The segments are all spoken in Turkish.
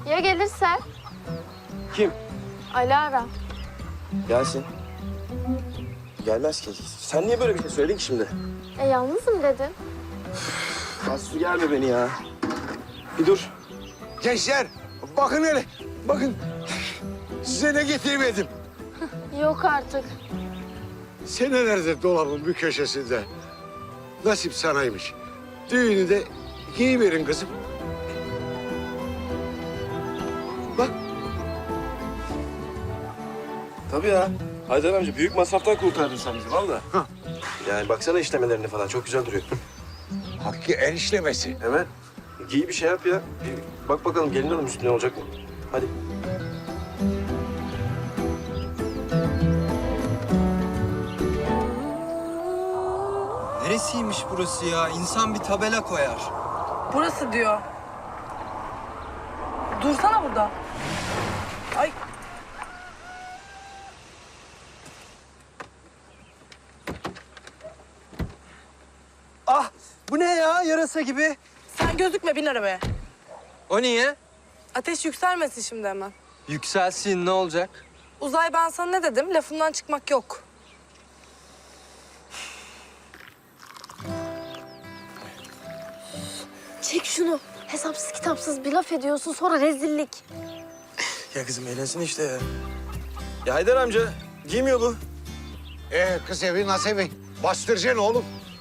Ya gelirse? Kim? Alara. Gelsin. Gelmez ki. Sen niye böyle bir şey söyledin ki şimdi? Yalnızım dedin. Aslı gelme beni ya. Bir dur. Gençler bakın hele. Bakın. Size ne getirmedim. Yok artık. Senelerdir dolabın bir köşesinde. Nasip sanaymış. Düğünü de giyiverin kızım. Bak. Tabii ya. Haydar amca büyük masraftan kurtardın sen bizi valla. Hah. Yani baksana işlemelerine falan çok güzel duruyor. Hakkı el işlemesi. Evet. Giy bir şey yap ya. Bir bak bakalım gelin hanım üstüne olacak mı? Hadi. Neresiymiş burası ya? İnsan bir tabela koyar. Burası diyor. Dursana burada. Ay. Ah! Bu ne ya? Yarasa gibi. Sen gözükme, bin arabaya. O niye? Ateş yükselmesin şimdi hemen. Yükselsin, ne olacak? Uzay, ben sana ne dedim? Lafımdan çıkmak yok. Çek şunu. Hesapsız kitapsız bir laf ediyorsun sonra rezillik. Ya kızım eğlensin işte ya. Ya Haydar amca giymiyor bu. Kız evi nasıl evi? Bastıracaksın oğlum.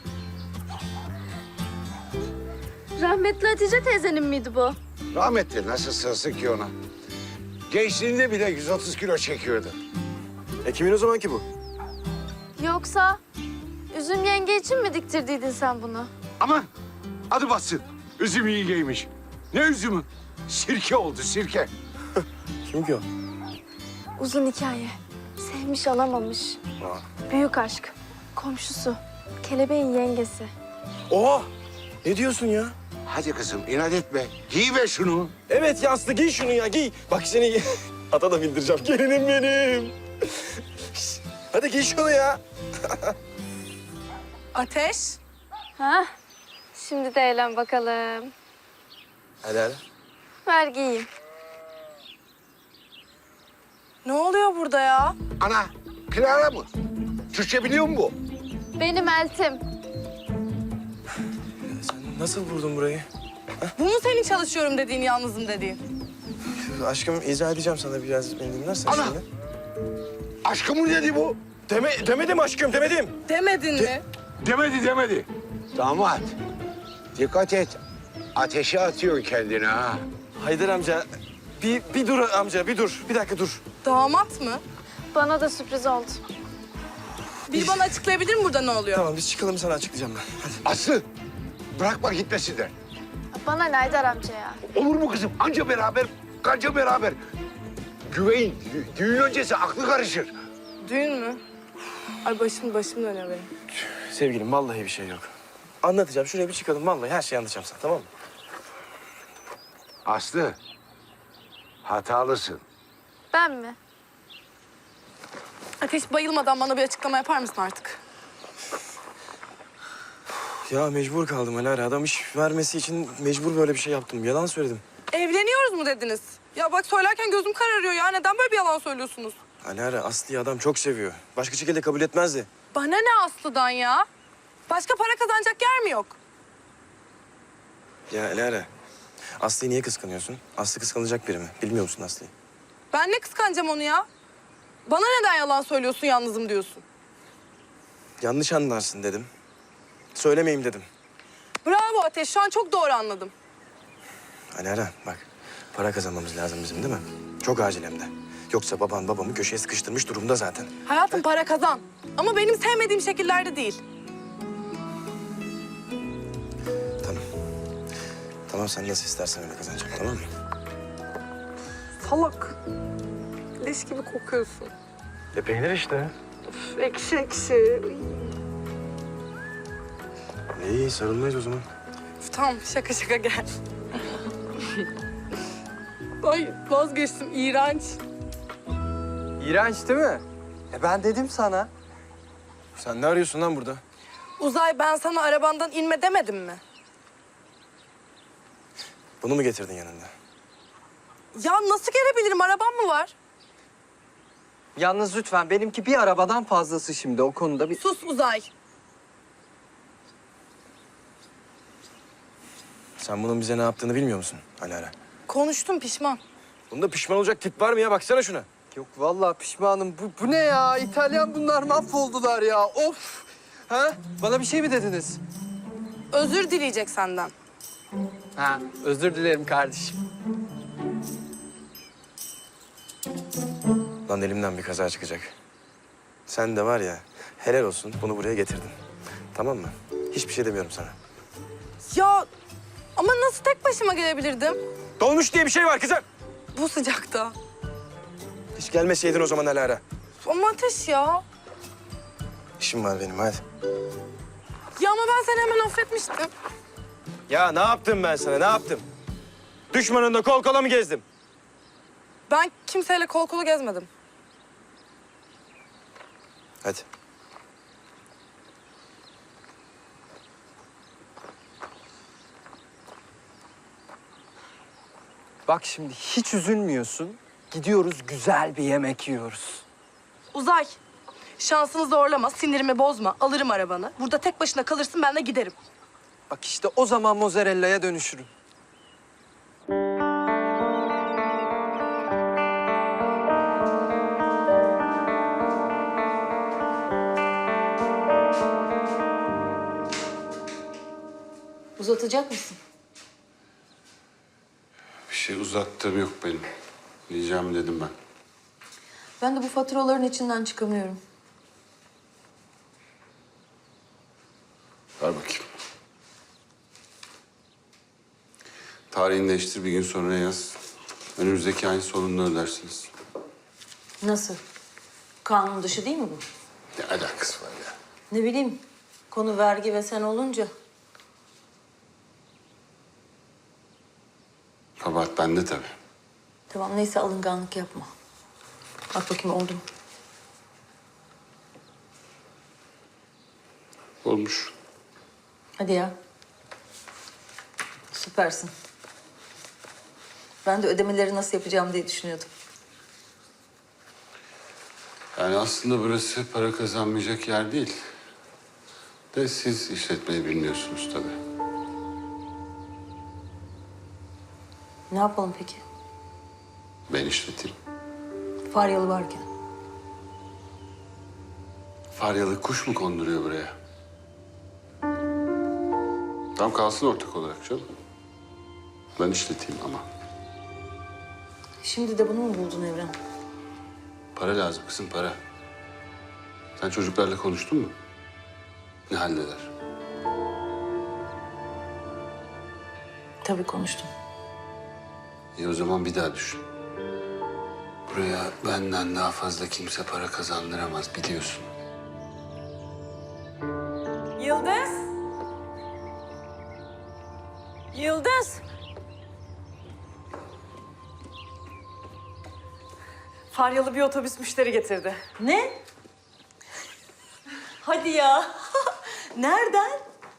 Rahmetli Hatice teyzenin miydi bu? Rahmetli nasıl sığsın ki ona? Gençliğinde bile 130 kilo çekiyordu. Kimin o zaman ki bu? Yoksa Üzüm yenge için mi diktirdiydin sen bunu? Aman adı bassın. Üzüm iyi giymiş. Ne üzümü? Sirke oldu sirke. Kim ki o? Uzun hikaye. Sevmiş alamamış. Büyük aşk. Komşusu. Kelebeğin yengesi. Oha! Ne diyorsun ya? Hadi kızım inat etme. Giy ver şunu. Evet ya Aslı giy şunu ya giy. Bak seni ata da bindireceğim. Gelinim benim. Hadi giy şunu ya. Ateş. Ha? Şimdi de eğlen bakalım. Hadi hadi. Ver giyeyim. Ne oluyor burada ya? Ana Clara mı? Türkçe biliyor mu bu? Benim eltim. Sen nasıl vurdun burayı? Bu mu senin çalışıyorum dediğin, yalnızım dediğin? Aşkım izah edeceğim sana biraz beni dinlersen Ana! şimdi. Aşkım dedi bu. Demedim aşkım demedim. Demedin mi? Demedi. Damat. Dikkat et. Ateşe atıyor kendini ha. Haydar amca bir dur amca bir dur. Bir dakika dur. Damat mı? Bana da sürpriz oldu. Bir bana açıklayabilir mi burada ne oluyor? Tamam biz çıkalım sana açıklayacağım ben. Hadi. Aslı bırakma gitmesinler. Bana ne Haydar amca ya? Olur mu kızım? Anca beraber, kanca beraber. Güveyin, düğün öncesi aklı karışır. Düğün mü? Ay başım dönüyor benim. Sevgilim vallahi bir şey yok. Anlatacağım şuraya bir çıkalım vallahi her şeyi anlatacağım sana tamam mı? Aslı, hatalısın. Ben mi? Ateş, bayılmadan bana bir açıklama yapar mısın artık? Ya mecbur kaldım Alara. Adam iş vermesi için mecbur böyle bir şey yaptım. Yalan söyledim. Evleniyoruz mu dediniz? Ya bak söylerken gözüm kararıyor ya. Neden böyle bir yalan söylüyorsunuz? Alara Aslı'yı adam çok seviyor. Başka şekilde kabul etmezdi. Bana ne Aslı'dan ya? Başka para kazanacak yer mi yok? Ya Alara Aslı'yı niye kıskanıyorsun? Aslı kıskanılacak biri mi? Bilmiyor musun Aslı'yı? Ben ne kıskanacağım onu ya? Bana neden yalan söylüyorsun, yalnızım diyorsun? Yanlış anlarsın dedim. Söylemeyeyim dedim. Bravo Ateş, şu an çok doğru anladım. Alara bak para kazanmamız lazım bizim değil mi? Çok acil hem de. Yoksa baban babamı köşeye sıkıştırmış durumda zaten. Hayatım para kazan. Ama benim sevmediğim şekillerde değil. Tamam. Tamam sen nasıl istersen öyle kazanacağım tamam mı? Salak. Leş gibi kokuyorsun. Peynir işte. Üf, ekşi ekşi. İyi sarılmayız o zaman. Üf, tamam, şaka gel. Ay vazgeçtim, iğrenç. İğrenç değil mi? Ben dedim sana. Sen ne arıyorsun lan burada? Uzay, ben sana arabandan inme demedim mi? Bunu mu getirdin yanında? Ya nasıl gelebilirim? Arabam mı var? Yalnız lütfen benimki bir arabadan fazlası şimdi o konuda bir... Sus Uzay. Sen bunun bize ne yaptığını bilmiyor musun Alara? Konuştum, pişman. Bunda pişman olacak tip var mı ya? Baksana şuna. Yok vallahi pişmanım. Bu ne ya? İtalyan bunlar mahvoldular ya. Of! Ha? Bana bir şey mi dediniz? Özür dileyecek senden. Ha, özür dilerim kardeşim. Lan elimden bir kaza çıkacak. Sen de var ya, helal olsun bunu buraya getirdin. Tamam mı? Hiçbir şey demiyorum sana. Ya ama nasıl tek başıma gelebilirdim? Dolmuş diye bir şey var kızım. Bu sıcakta. Hiç gelmeseydin o zaman Alara. Ama ateş ya. İşim var benim hadi. Ya ama ben seni hemen affetmiştim. Ya ne yaptım ben sana, ne yaptım? Düşmanınla kol kola mı gezdim? Ben kimseyle kol kola gezmedim. Hadi. Bak şimdi hiç üzülmüyorsun. Gidiyoruz güzel bir yemek yiyoruz. Uzay, şansını zorlama, sinirimi bozma. Alırım arabanı. Burada tek başına kalırsın, ben de giderim. Bak işte o zaman mozzarella'ya dönüşürüm. Uzatacak mısın? Bir şey uzattığım yok benim. Diyeceğim dedim ben. Ben de bu faturaların içinden çıkamıyorum. Ver bakayım. Tarihini değiştir, bir gün sonra yaz. Önümüzdeki ayın sonunda ödersiniz. Nasıl? Kanun dışı değil mi bu? Ne alakası var ya? Ne bileyim, konu vergi ve sen olunca. Kabahat bende tabii. Tamam neyse alınganlık yapma. Bak bakayım oldu mu? Olmuş. Hadi ya. Süpersin. Ben de ödemeleri nasıl yapacağım diye düşünüyordum. Yani aslında burası para kazanmayacak yer değil. De siz işletmeyi bilmiyorsunuz tabii. Ne yapalım peki? Ben işleteyim. Faryalı varken. Faryalı kuş mu konduruyor buraya? Tam kalsın ortak olarak canım. Ben işleteyim ama. Şimdi de bunu mu buldun Evren? Para lazım kızım, para. Sen çocuklarla konuştun mu? Ne haldeler? Tabii konuştum. İyi o zaman bir daha düşün. Buraya benden daha fazla kimse para kazandıramaz biliyorsun. Yıldız. Yıldız. Faryalı bir otobüs müşteri getirdi. Ne? Hadi ya. Nereden?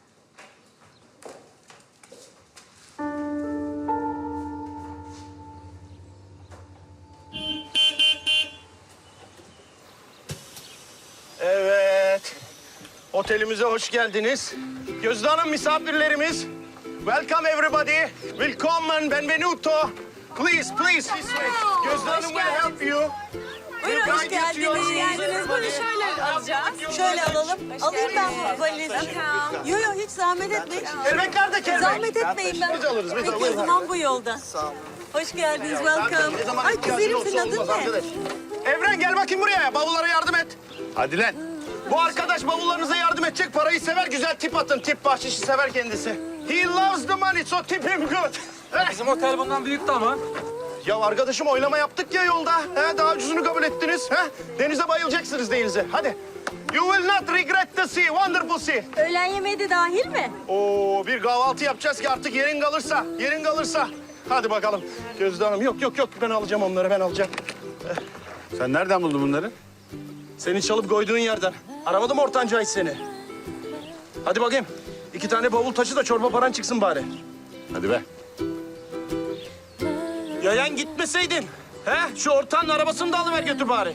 Evet. Otelimize hoş geldiniz. Gözde Hanım misafirlerimiz. Welcome everybody. Willkommen, benvenuto. Please, please this way. Gözde Hanım will help you. Buyurun, hoş geldiniz. Buyurun şöyle alacağız. Şöyle alalım. Alayım ben bu valizi. Yok yok hiç zahmet etmeyin. Kelbek nerede kelbek? Zahmet etmeyin ben. Biz alırız, biz Peki alırız. o zaman bu yolda. Hoş geldiniz, welcome. Ay güzelim senin adın ne? Evren gel bakayım buraya. Bavullara yardım et. Hadi lan. Bu arkadaş bavullarınıza yardım edecek. Parayı sever, güzel tip atın. Tip bahşişi sever kendisi. He loves the money, so tip him good. Bizim otel bundan büyüktü ama. Ya arkadaşım oylama yaptık ya yolda. He, daha ucuzunu kabul ettiniz. He? Denize bayılacaksınız denize. Hadi. You will not regret the sea, wonderful sea. Öğlen yemeği de dahil mi? Oo, bir kahvaltı yapacağız ki artık yerin kalırsa, yerin kalırsa. Hadi bakalım. Gözde Hanım, yok ben alacağım onları, ben alacağım. Sen nereden buldun bunları? Seni çalıp koyduğun yerden. Aramadı mı ortanca hiç seni? Hadi bakayım. 2 tane bavul taşı da çorba paran çıksın bari. Hadi be. Yayan gitmeseydin. He? Şu ortağın arabasını da alıver götür bari.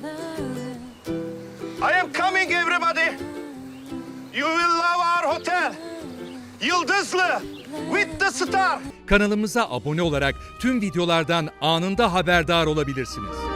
I am coming everybody. You will love our hotel. Yıldızlı. With the star. Kanalımıza abone olarak tüm videolardan anında haberdar olabilirsiniz.